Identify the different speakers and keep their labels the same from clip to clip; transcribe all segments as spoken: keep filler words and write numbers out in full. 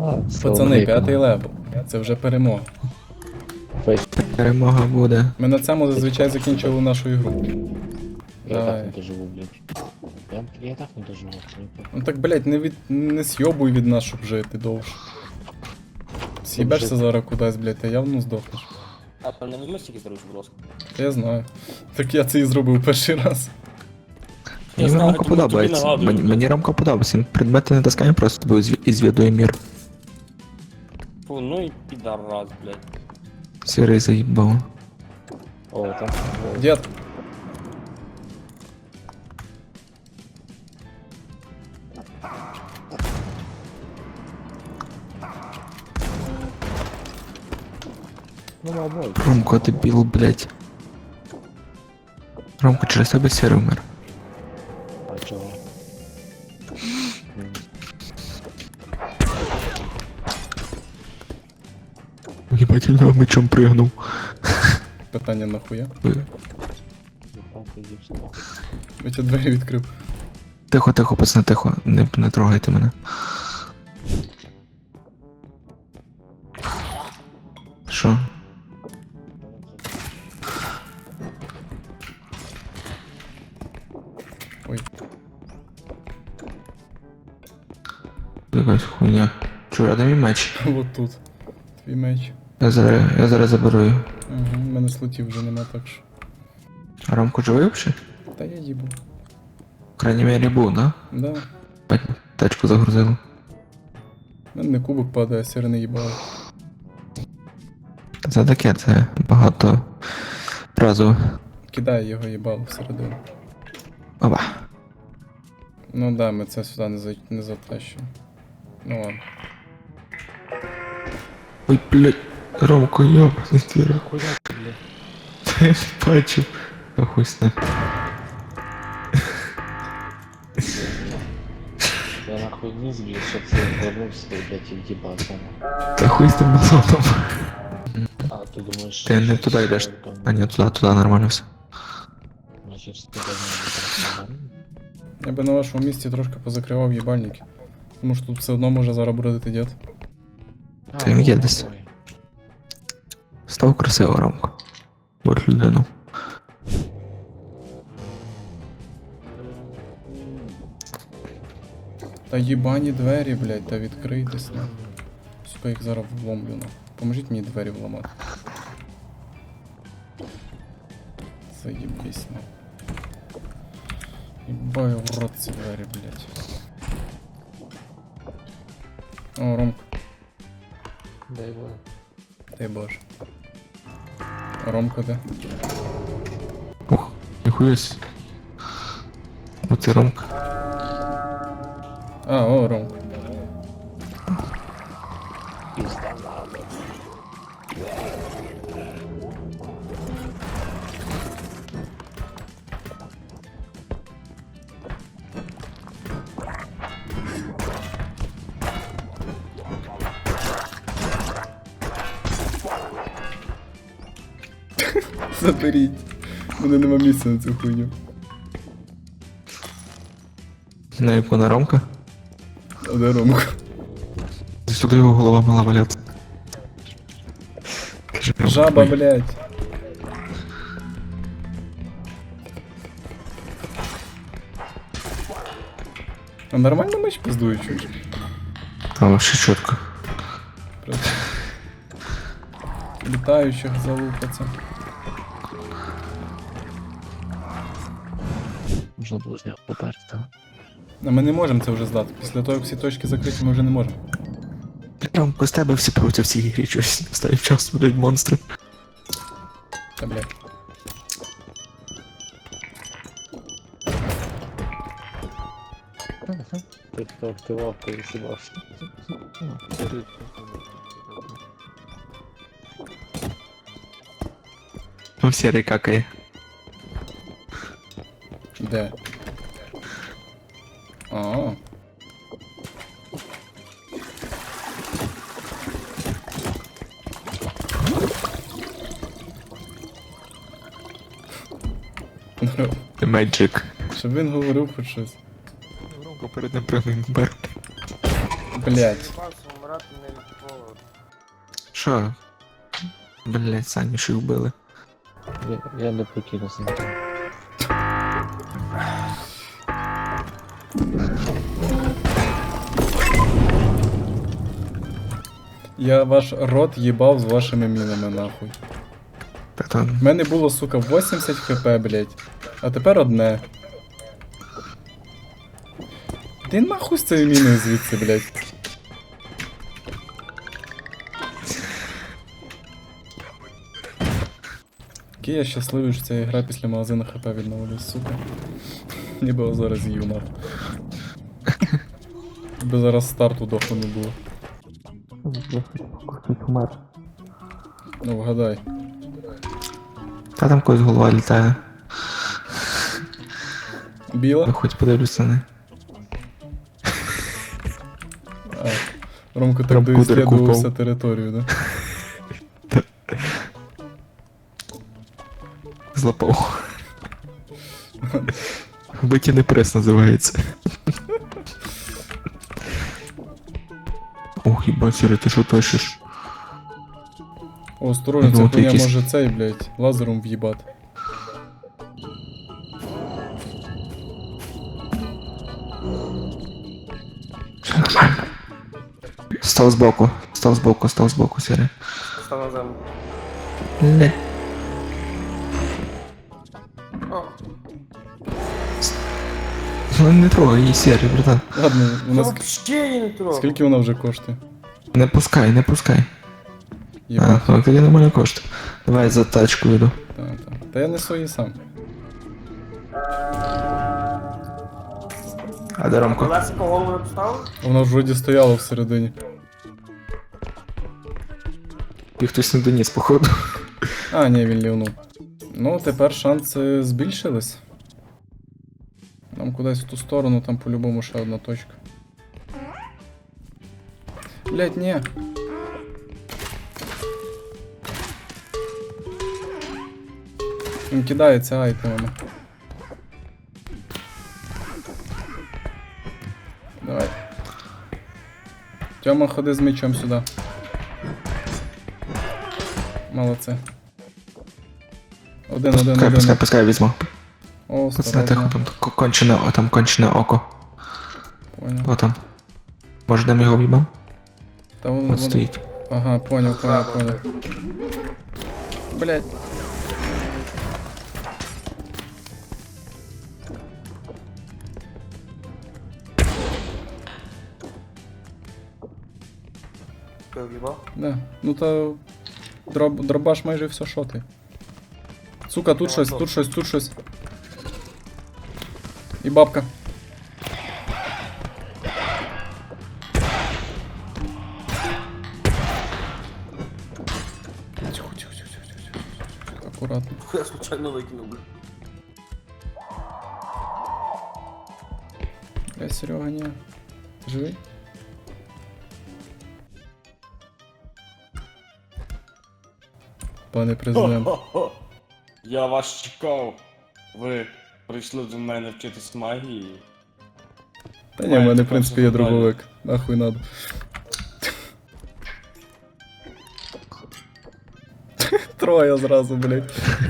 Speaker 1: Пацани, п'ятий левел. Це вже перемога.
Speaker 2: Перемога буде.
Speaker 1: Ми на цьому зазвичай закінчували нашу ігру.
Speaker 3: Я
Speaker 1: Давай.
Speaker 3: так не доживу, блядь. Я, я так не доживу. абсолютно.
Speaker 1: Ну так, блять, не від не сйобуй від нас, щоб жити довше. С'їбешся зараз кудись, блять, ти явно здохнеш.
Speaker 4: А, там не візьмеш тільки старусь, будь ласка.
Speaker 1: Та я знаю. Так я це і зробив перший раз.
Speaker 2: Мені
Speaker 4: знаю,
Speaker 2: Ромко
Speaker 4: тому
Speaker 2: подобається.
Speaker 4: тобі нагадую.
Speaker 2: Мені, мені Ромко подобається. Він предмети не таскає, просто тобі зві- і звідує мір.
Speaker 4: Фу, ну і підарас, блядь.
Speaker 2: Сірий заїбав.
Speaker 3: О, там.
Speaker 1: Дід,
Speaker 3: Ну, мабуть.
Speaker 2: Ромко, ти біл, блять. Ромко, через тебе сірий вмер.
Speaker 3: А чого?
Speaker 2: Єбать, я мечом пригнув.
Speaker 1: питання нахуя?
Speaker 3: Єбав, ти зіпсу.
Speaker 1: Я тебе двері відкрив.
Speaker 2: Тихо, тихо, пацани, тихо. Не, не трогайте мене. Що?
Speaker 1: Ой,
Speaker 2: Якась хуйня. Чур, а де мій меч?
Speaker 1: от тут. Твій меч.
Speaker 2: Я зараз, я зараз заберу його.
Speaker 1: Ага, в мене слотів вже нема, так що.
Speaker 2: А Ромко живий взагалі?
Speaker 1: Та я їбу.
Speaker 2: В крайній мірі був, да?
Speaker 1: Да.
Speaker 2: Бать, тачку загрузили.
Speaker 1: У мене не кубок падає, сир не їбало.
Speaker 2: Це таке, це багато разу.
Speaker 1: Кидає його їбало всередину.
Speaker 2: Опа.
Speaker 1: Ну да, ми це сюди не, за... не затащимо. Ну ладно.
Speaker 2: Ой, блядь, Ромко, ёбаний твір.
Speaker 3: Куди ти, блядь?
Speaker 2: Та я не бачив. Та хуй з ним.
Speaker 3: Я нахуй не збіг, щоб ти вернувся, блядь, і в'їбався.
Speaker 2: Та хуй з тим болотом.
Speaker 3: А, ти думаєш...
Speaker 2: Ти не
Speaker 3: що
Speaker 2: туди
Speaker 3: це
Speaker 2: йдеш.
Speaker 3: там,
Speaker 2: А ні, туди, туди нормально все.
Speaker 3: Значить, ти давно не
Speaker 1: Я би на вашому місці трошки позакривав їбальники. Тому що тут все одно може зараз бродити дід.
Speaker 2: Та він є десь. Став красиво, Ромко. Будь людину.
Speaker 1: Та їбані двері, блядь, та відкрийтесь, на. Сука, їх зараз вломлю, на. Поможіть мені двері вламати. Заєбись, на. Їбаю в рот ці двері, блядь. О, Ромко,
Speaker 3: Дай Боже.
Speaker 1: дай боже. Ромко де?
Speaker 2: Ух, ніхуясь. Оце Ромко.
Speaker 1: А, о, Ромко.
Speaker 3: Пізда надо.
Speaker 1: Заберіть. У мене нема місця на цю хуйню.
Speaker 2: На яку на Ромка?
Speaker 1: А де Ромко?
Speaker 2: Сюди його голова мала валяться. Каже, Ромко,
Speaker 1: Жаба,
Speaker 2: ой.
Speaker 1: блядь. А нормально меч пиздує, чуєш?
Speaker 2: Та вообще чітко.
Speaker 1: Просто. Літаючих залупаться.
Speaker 3: Можна було з нього поперти.
Speaker 1: А ми не можемо це вже здати. Після того, як всі точки закриті, ми вже не можемо.
Speaker 2: Ромко, з тебе всі проти в цій грі щось настає час, блядь, монстри.
Speaker 1: Та блядь.
Speaker 3: Ти хто активав, ти сібався.
Speaker 2: Ну, сірий какає.
Speaker 1: Де? А.
Speaker 2: Magic.
Speaker 1: Щоб він говорив хоч щось.
Speaker 2: Ромко перед ним пригнув бер.
Speaker 1: Блять.
Speaker 4: Вмирати не
Speaker 2: Що? Блять, самі ж їх вбили.
Speaker 3: Я, я не покинув на там.
Speaker 1: Я ваш рот їбав з вашими мінами, нахуй.
Speaker 2: Та то
Speaker 1: В мене було, сука, вісімдесят хп, блять. А тепер одне. Ти нахуй з цією міною звідси, блять. Який я щасливий, що ця гра після магазину хп відновлює, сука. Ніби його зараз їв, нахуй. Би зараз старту доху не було.
Speaker 2: хтось умер.
Speaker 1: Ну, вгадай.
Speaker 2: Та там когось голова літає.
Speaker 1: Біла?
Speaker 2: Я хоч подивлюся на неї.
Speaker 1: А, Ромко так
Speaker 2: Прям
Speaker 1: доіслідувався
Speaker 2: кудер
Speaker 1: територію, да?
Speaker 2: Злапав. Витягни прес називається. Ох, їбать, Сіре, ти що тащиш?
Speaker 1: О, осторожно,
Speaker 2: Ну,
Speaker 1: ця
Speaker 2: от
Speaker 1: хуйня
Speaker 2: якісь-
Speaker 1: може цей, блядь, лазером в'їбати.
Speaker 2: Став збоку, став збоку, став збоку, Сіре.
Speaker 4: Став на землю.
Speaker 2: Не.
Speaker 4: О,
Speaker 2: Ну не трогай її, Сіре, братан.
Speaker 1: Ладно, у
Speaker 4: я
Speaker 1: нас...
Speaker 4: вообще її не трогав.
Speaker 1: Скільки вона вже коштує?
Speaker 2: Не пускай, не пускай. А,
Speaker 1: Єбать.
Speaker 2: ну тоді нормально коштує. Давай за тачку йду.
Speaker 1: Та, та. Та я несу її сам.
Speaker 2: А де Ромко?
Speaker 4: Лесико голову не поставив?
Speaker 1: Вона ж вроді стояла всередині.
Speaker 2: І хтось не доніс, походу.
Speaker 1: А, ні, він лівнув. Ну, тепер шанси збільшились. Нам кудись в ту сторону, там по-любому ще одна точка. Блять, ні. Він кидається айтемами. Давай. Тьома, ходи з мечом сюди. Молодці. Один, один,
Speaker 2: Пускай, пускай,
Speaker 1: один.
Speaker 2: пускай візьму.
Speaker 1: О,
Speaker 2: Пацани, тихо,
Speaker 1: осторожно.
Speaker 2: там к- кончене, о, там кончене око.
Speaker 1: Понял.
Speaker 2: О там. Може, де ми його в'їбав?
Speaker 1: Та вон,
Speaker 2: От
Speaker 1: вон-
Speaker 2: стоїть.
Speaker 1: Ага, понял, понял, понял. Блять.
Speaker 4: Ти в'їбав?
Speaker 1: Да. Ну та дроб, дробаш майже все шоти. Сука, тут щось, тут щось, тут щось. І бабка. Тихо, тихо, тихо, тихо, тихо, тихо. Аккуратно.
Speaker 4: Я случайно викинув, бля.
Speaker 1: Бля, Серега, ні. Ти живий? Пане президент.
Speaker 4: Хо-хо-хо. Я вас чекав. Ви прийшли до мене вчитись магії.
Speaker 1: Та ні, в мене, в принципі, є дробовик. Нахуй надо. Троє зразу, блядь.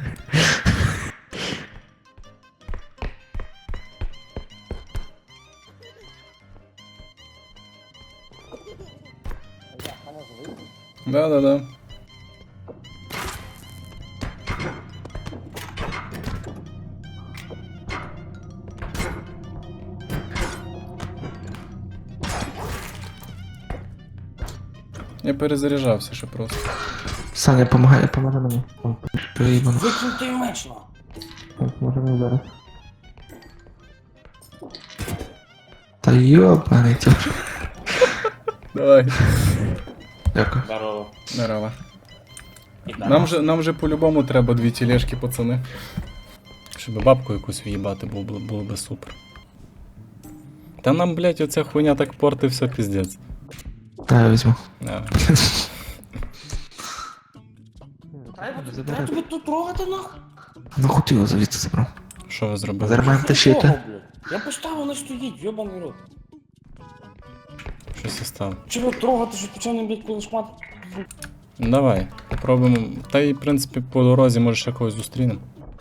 Speaker 1: Да-да-да. Я перезаряджався ще просто.
Speaker 2: Саня, помагай, помагай мені. О, приїбано.
Speaker 4: Викинь той меч, ну.
Speaker 2: Може мені зараз. Та йобаний тя.
Speaker 1: Давай.
Speaker 2: Дякую.
Speaker 4: Здорово.
Speaker 1: Здорово.
Speaker 4: Ідемо.
Speaker 1: Нам же, нам же по-любому треба дві тележки, пацани. Щоб бабку якусь в'їбати, було, б- було би супер. Та нам, блядь, оця хуйня так порти все піздець.
Speaker 2: Та я візьму.
Speaker 1: Да.
Speaker 4: Треба тобі тут трогати, нахуй?
Speaker 2: Ну хотів його звідси забрав.
Speaker 1: Що ви зробили?
Speaker 2: Зараз маємо тащити.
Speaker 4: Трогав, блядь. Я поставив, не стоїть, йобаний рот.
Speaker 1: Щось я став.
Speaker 4: Чого трогати, що почав не б'ять коли шмат?
Speaker 1: Давай, попробуємо. Та й, в принципі, по дорозі може ще когось зустрінемо.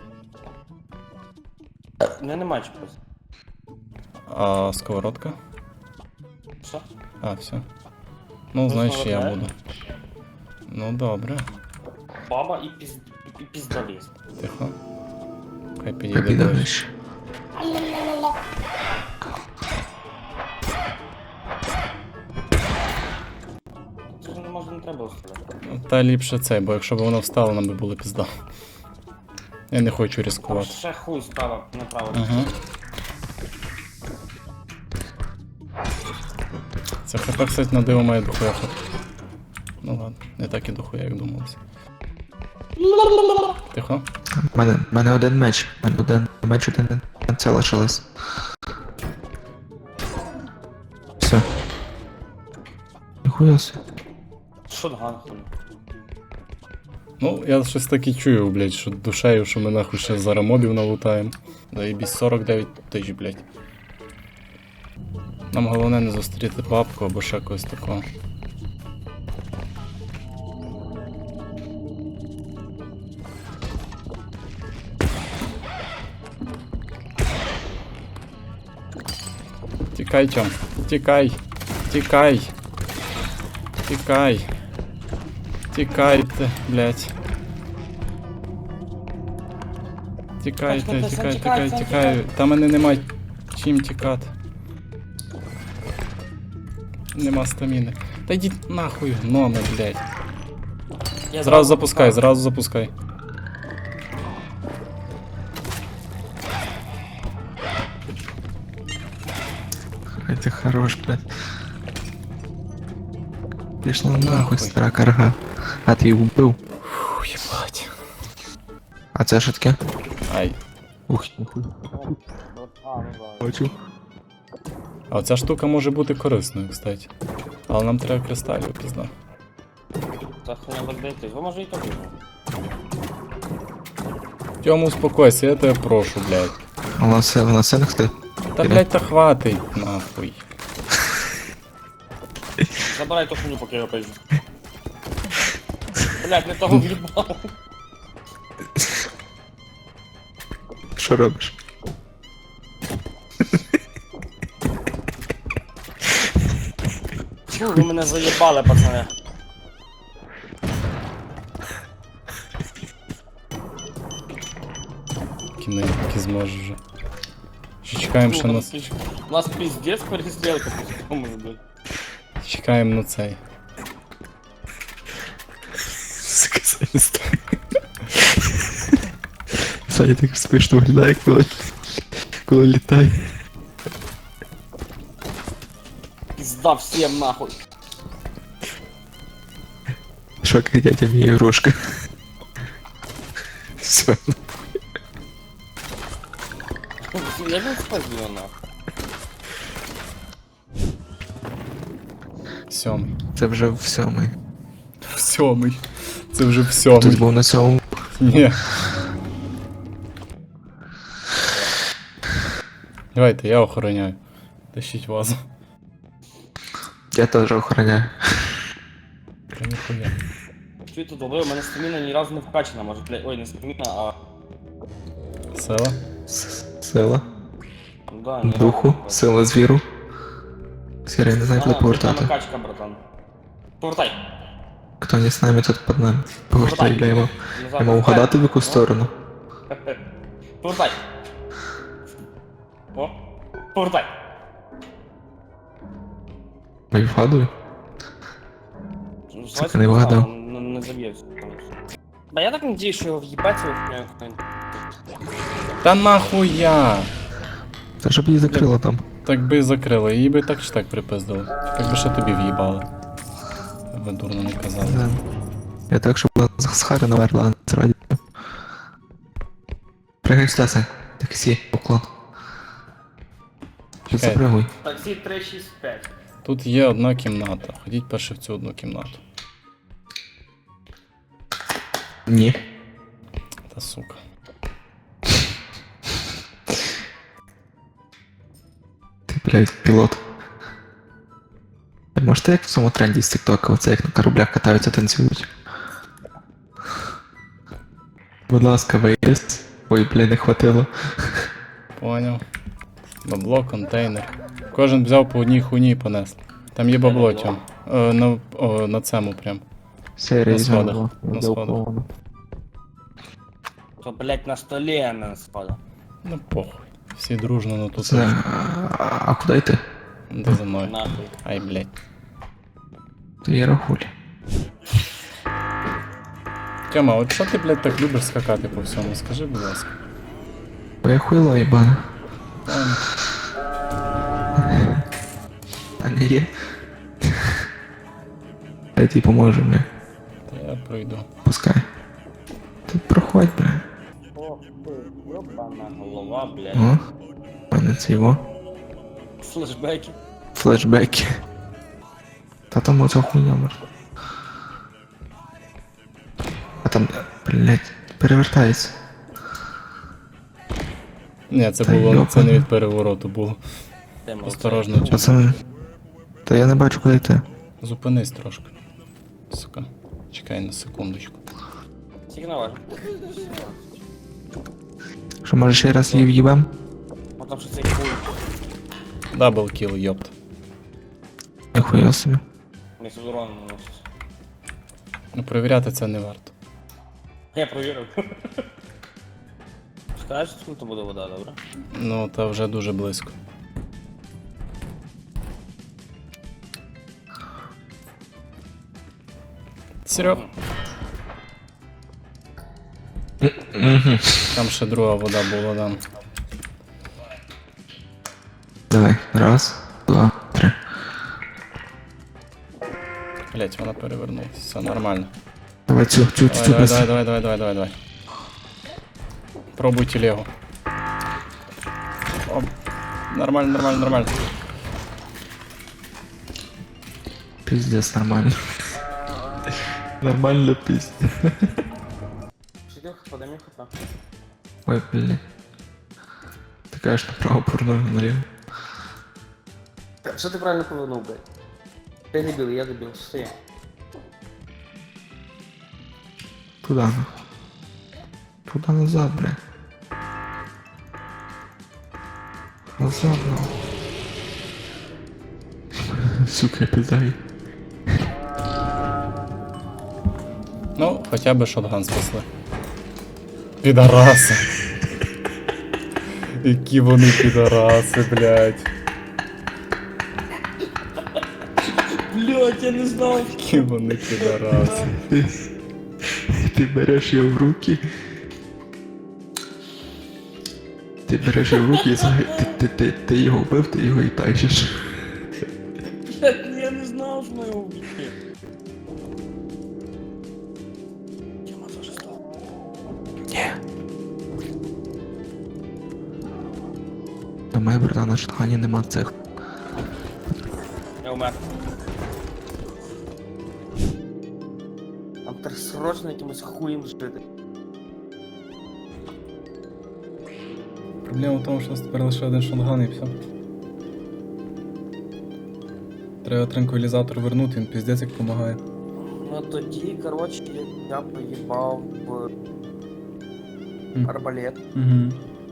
Speaker 4: Не, нема чогось.
Speaker 1: А сковородка?
Speaker 4: Що?
Speaker 1: А, все. Ну, знаєш, я
Speaker 4: сковородка?
Speaker 1: буду. Ну добре.
Speaker 4: Баба і піз... і піздоліз.
Speaker 1: Тихо. Хай підійде
Speaker 2: Піде
Speaker 1: ближче.
Speaker 2: вище.
Speaker 4: Це ж не може не треба стріляти.
Speaker 1: Ну, Та ліпше цей, бо якщо б воно встало, нам би було пізда. Я не хочу
Speaker 4: Там
Speaker 1: ризикувати.
Speaker 4: ще хуй справа, направо.
Speaker 1: Ага. Це хп, кстати, на диво має дохуя хп. Ну ладно, не так і дохуя, як думалося. Тихо.
Speaker 2: У мене, в мене один меч. У мене один меч, один це лишилось. Все. Ніхуя собі.
Speaker 4: Шотган хуй.
Speaker 1: Ну, я щось таки чую, блядь, що душею, що ми нахуй ще зараз мобів налутаємо. Заєбісь сорок дев'ять тисяч, блядь. Нам головне не зустріти бабку або ще когось такого. Тікай, Тьом. Тікай. Тікай. Тікай. Тікайте, блядь. Тікайте,
Speaker 4: Тікай,
Speaker 1: тікай,
Speaker 4: тікай,
Speaker 1: тікай,
Speaker 4: тікай.
Speaker 1: тікай. Та мене нема чим тікати. Нема стаміни. Та йдіть нахуй, гноми, блядь.
Speaker 4: Я
Speaker 1: Зразу запускай, зразу запускай.
Speaker 2: Ай, ти хорош, блядь. Пішла
Speaker 1: Нахуй.
Speaker 2: нахуй, стара карга. А ти її вбив.
Speaker 1: Фух, єбать.
Speaker 2: А це що таке?
Speaker 1: Ай.
Speaker 2: Ух, ніхуя.
Speaker 4: А, ну да.
Speaker 2: Бачу.
Speaker 1: А оця штука може бути корисною, кстати. Але нам треба кристалів, пізна.
Speaker 4: Та хуйня розбитись. Ви може і то візьму.
Speaker 1: Тьому, успокойся, я тебе прошу, блядь.
Speaker 2: Вона все, вона все не хти.
Speaker 1: Та, блядь, та хватить, нахуй.
Speaker 4: Забирай ту хуйню, поки я пойду. Блять, не того в'їбав.
Speaker 2: Що робиш?
Speaker 4: Чу, ви мене заєбали, пацани.
Speaker 1: Кінець, поки зможеш вже. Ще чекаємо ще на...
Speaker 4: У нас пиздец перестрілка по може блядь.
Speaker 1: Чекаємо на цей.
Speaker 2: Сука, Саня стоїть. Саня так смішно виглядає, коли, коли літає.
Speaker 4: Пизда всем нахуй.
Speaker 2: Що, як дядя мій ігрушка. Все.
Speaker 4: Я не спазію нахуй.
Speaker 1: Сьомий.
Speaker 2: Це вже в сьомий.
Speaker 1: Сьомий. Це вже в
Speaker 2: Тут
Speaker 1: сьомий.
Speaker 2: був на сьомому.
Speaker 1: Ні. Давайте, я охороняю. Тащіть вазу.
Speaker 2: Я теж охороняю.
Speaker 1: Та ніхуя.
Speaker 4: Чуєте, добре, у мене стаміна ні разу не вкачана, може, блядь, ой, не стаміна, а...
Speaker 1: Села?
Speaker 2: С- Сила.
Speaker 4: Ну да, ні
Speaker 2: Духу.
Speaker 4: разу не
Speaker 2: Сила звіру. Сірий не знає,
Speaker 4: вкачана.
Speaker 2: коли повертати.
Speaker 4: Ага, накачка, братан. Повертай.
Speaker 2: Хто не з нами, тут під нами. Повертай, я йому.
Speaker 4: Назад.
Speaker 2: Я мав угадати в яку сторону.
Speaker 4: Повертай. О, повертай.
Speaker 2: Ми вгадую.
Speaker 4: Ну,
Speaker 2: Сука, не вгадав.
Speaker 4: Не, не заб'ється. Да я так надіюсь, що його в'їбать його хуйню.
Speaker 1: Та нахуя!
Speaker 2: Та щоб її закрило там.
Speaker 1: Так би і закрили, її би так чи так припиздили. Так би ще тобі в'їбали. Ви дурно не казали.
Speaker 2: Да. Я так, щоб вона з Хари наверла, а не з радіо. Пригай сюди, Сань. Таксі, поклон. Ти
Speaker 1: Чекай.
Speaker 2: запригуй.
Speaker 4: Таксі три шість п'ять.
Speaker 1: Тут є одна кімната. Ходіть перше в цю одну кімнату.
Speaker 2: Ні.
Speaker 1: Та сука.
Speaker 2: Ти, блядь, пілот. Може, ти як в цьому тренді з тіктока, оце як на кораблях катаються, танцюють. Будь ласка, виїзд. Ой, бля, не хватило.
Speaker 1: Поняв. Бабло, контейнер. Кожен взяв по одній хуйні і понесли. Там є бабло,
Speaker 4: Бабло.
Speaker 1: Тьом. Е, на, о, на цьому прям.
Speaker 2: Серія
Speaker 1: На сходах,
Speaker 2: знову.
Speaker 1: на
Speaker 2: Де
Speaker 1: сходах.
Speaker 2: уклону.
Speaker 4: То, блядь, на столі, а не на спаду.
Speaker 1: Ну похуй. Всі дружно на ту
Speaker 2: Це...
Speaker 1: точку.
Speaker 2: А, а куди йти?
Speaker 1: Де за мною?
Speaker 4: Нахуй.
Speaker 1: Ай, блядь.
Speaker 2: То є рахулі.
Speaker 1: Тьома, от що ти, блядь, так любиш скакати по всьому? Скажи, будь ласка.
Speaker 2: Бо я хуйло їбана.
Speaker 1: Ладно.
Speaker 2: А не є. Я тобі поможу, бля.
Speaker 1: Та я пройду.
Speaker 2: Пускай. Ти проходь, бля.
Speaker 4: Ох ти, ёбана голова, блядь.
Speaker 2: О. У мене це його.
Speaker 4: Флешбеки.
Speaker 2: Флешбеки. Та там оця хуйня може. А там, блядь, перевертається.
Speaker 1: Ні, це
Speaker 2: Та
Speaker 1: було, це
Speaker 2: йопана.
Speaker 1: не від перевороту було.
Speaker 4: Ти молодець.
Speaker 1: Осторожно, Тьом.
Speaker 2: Пацани. Та я не бачу, куди йти.
Speaker 1: Зупинись трошки. Сука. Чекай на секундочку.
Speaker 4: Сигнал.
Speaker 2: Що, може ще раз її в'їбем?
Speaker 4: Потому що цей хуй.
Speaker 1: Дабл кіл, йопт.
Speaker 2: Ніхуя собі.
Speaker 4: Не з уроном наносить.
Speaker 1: Ну перевіряти це не варто.
Speaker 4: Я провірив. Скажеш, скільки буде вода, добре?
Speaker 1: Ну, та вже дуже близько. Серьо,
Speaker 2: Угу.
Speaker 1: там ще друга вода була, да.
Speaker 2: Давай. Раз, два, три.
Speaker 1: Блять, вона перевернулася. Все нормально.
Speaker 2: Давай цю, цю,
Speaker 1: Давай,
Speaker 2: цю
Speaker 1: давай,
Speaker 2: без...
Speaker 1: давай, давай, давай, давай, давай, давай. Пробуй телегу. О, нормально, нормально, нормально.
Speaker 2: Пиздец, нормально. Нормально пиздец.
Speaker 4: Четырка, подойми хп.
Speaker 2: Ой, блин. Ты, конечно, право пурнул налево.
Speaker 4: Що ти правильно повернув, блядь? Ти дебіл, я дебіл, все.
Speaker 2: Туда, ну. Туда назад, бля. Назад, ну. Сука, я пиздаю.
Speaker 1: Ну, хоча б шотган спасли. Підараси. Які вони підараси, блядь.
Speaker 4: Блядь, я не знав.
Speaker 1: Які вони підараси.
Speaker 2: Ты, ты берешь ее в руки. Ти береш його в руки і заг- ти, ти, ти, ти його вбив, ти його і тащиш.
Speaker 4: Блядь, я не знав, що ми його вб'ємо. Тема теж став.
Speaker 2: Ні. До моєї брата на штані нема цих.
Speaker 4: Я умер. Нам треба срочно якимось хуєм жити.
Speaker 1: Проблема в тому, що у нас тепер лише один шотган і все. Треба транквілізатор вернути, він піздець як допомагає.
Speaker 4: Ну тоді, коротше, я поїбав в
Speaker 1: Мгм.
Speaker 4: арбалет,
Speaker 1: Угу.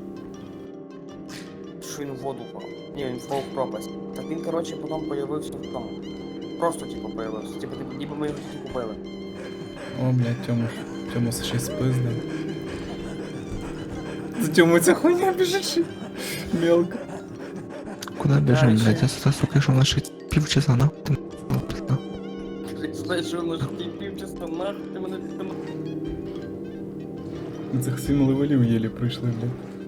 Speaker 4: що він в воду впав. Ні, він впав в пропасть. Так він, коротше, потім появився в тому. Просто, типу, появився. Типу, типу, ніби ми його тільки купили.
Speaker 1: О, блядь, Тьому, Тьому ще й спиздив. За Тьому ця хуйня біжить. Мелко.
Speaker 2: Куди біжим,
Speaker 4: Дальше.
Speaker 2: блядь? Я сюди, сука, йшов на шість півчаса, на? Ти м***ь, пизда.
Speaker 4: Знаєш, що на житті півчаса нахуй, ти мене там...
Speaker 1: Ми цих сім левелів єлі пройшли, блядь.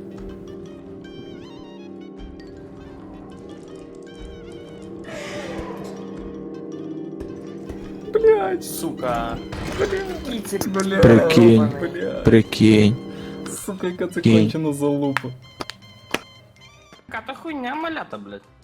Speaker 1: Блядь,
Speaker 4: Сука. Кіцик,
Speaker 1: блядь,
Speaker 2: Прикинь.
Speaker 1: блядь.
Speaker 2: Прикинь.
Speaker 1: Сука, яка це
Speaker 2: Кінь.
Speaker 1: кончена залупа.
Speaker 4: Яка та хуйня малята, блядь.